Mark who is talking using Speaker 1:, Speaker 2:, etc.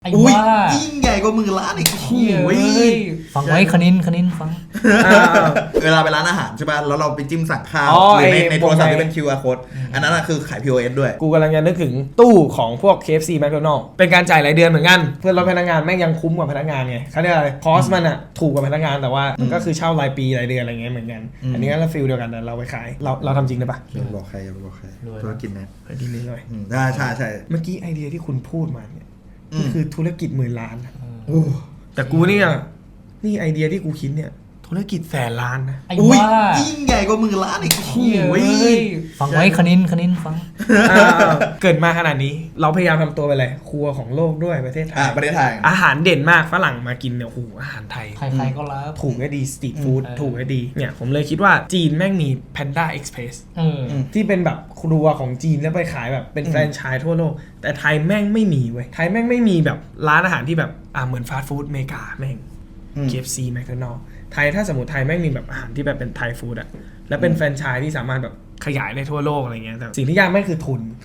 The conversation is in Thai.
Speaker 1: ไอ้
Speaker 2: อุ้ย
Speaker 1: บ้า
Speaker 2: ยิ่งใหญ่กว่า10,000,000อีก
Speaker 1: เหี้ย
Speaker 2: โอ้ย
Speaker 1: เอ้ยฟังไว้คณินฟัง
Speaker 2: เวลาไปร้านอาหารใช่ป่ะแล้วเราไปจิ้มสั่งข้าว
Speaker 3: อ๋อ
Speaker 2: หรือใน
Speaker 3: ไอ้
Speaker 2: ในโทรศัพท์
Speaker 3: วงใน
Speaker 2: ที่เป็น QR code อันนั้นอะคือขาย POS ด้วย
Speaker 3: กูกำลังจะนึกถึงตู้ของพวก KFC McDonald's เป็นการจ่ายรายเดือนเหมือนกัน เพื่อลดพนักงานแม่งยังคุ้มกว่าพนักงานไงเขาเรียกอะไรคอสมันอะถูกกว่าพนักงานแต่ว่ามันก็คือเช่ารายปีรายเดือนอะไรเงี้ยเหมือนกัน อันนี้ก็ฟีลเดียวกันแต่เราไปขายเราทำจริงได้ปะ
Speaker 2: อย่าไปบอกใครอย่าไปบอกใคร
Speaker 1: รวย
Speaker 2: ธุรกิจนะ
Speaker 3: เฮ้ยดีเลยหน่อย
Speaker 2: ใช่
Speaker 3: เมื่อกี้ไอเดียที่คุณพูดมาเนี่ย
Speaker 2: อืม
Speaker 3: นี่คือธุรกิจ10,000,000นะ
Speaker 2: โอ้
Speaker 3: แต่กูเนี่ยนี่ไอเดียที่กูคิดเนี่ยธุรกิจ100,000,000 นะ
Speaker 1: ไอ้
Speaker 2: อุ้ย
Speaker 1: บ้า
Speaker 2: ยิ่งใหญ่กว่า10,000,000อีก
Speaker 1: เหี้ย
Speaker 2: โอ้ย
Speaker 1: เอ้ยฟังไว้คณินฟัง
Speaker 3: เกิดมาขนาดนี้เราพยายามทำตัวไปเลยครัวของโลกด้วยประเทศไทย
Speaker 2: ประเทศไทย
Speaker 3: อาหารเด่นมากฝรั่งมากินเนี่ยโอ้โหอาหารไทย
Speaker 1: ใครๆก็รับ
Speaker 3: ถูกก็ดีสตรีทฟู้ด
Speaker 1: อืม
Speaker 3: ถูกก็ดีเนี่ยผมเลยคิดว่าจีนแม่งมี Panda Express ที่เป็นแบบครัวของจีนแล้วไปขายแบบเป็นแฟรนไชส์ทั่วโลก แต่ไทยแม่งไม่มีเว้ยไทยแม่งไม่มีแบบร้านอาหารที่แบบเหมือนฟาสต์ฟู้ดอเมริกาแม่ง KFC McDonald's ไทยถ้าสมมติไทยแม่งมีแบบอาหารที่แบบเป็นไทยฟู้ดอะแล้วเป็นแฟรนไชส์ที่สามารถแบบขยายได้ทั่วโลกอะไรเงี้ยแต่สิ่งที่ยากแม่งคือทุน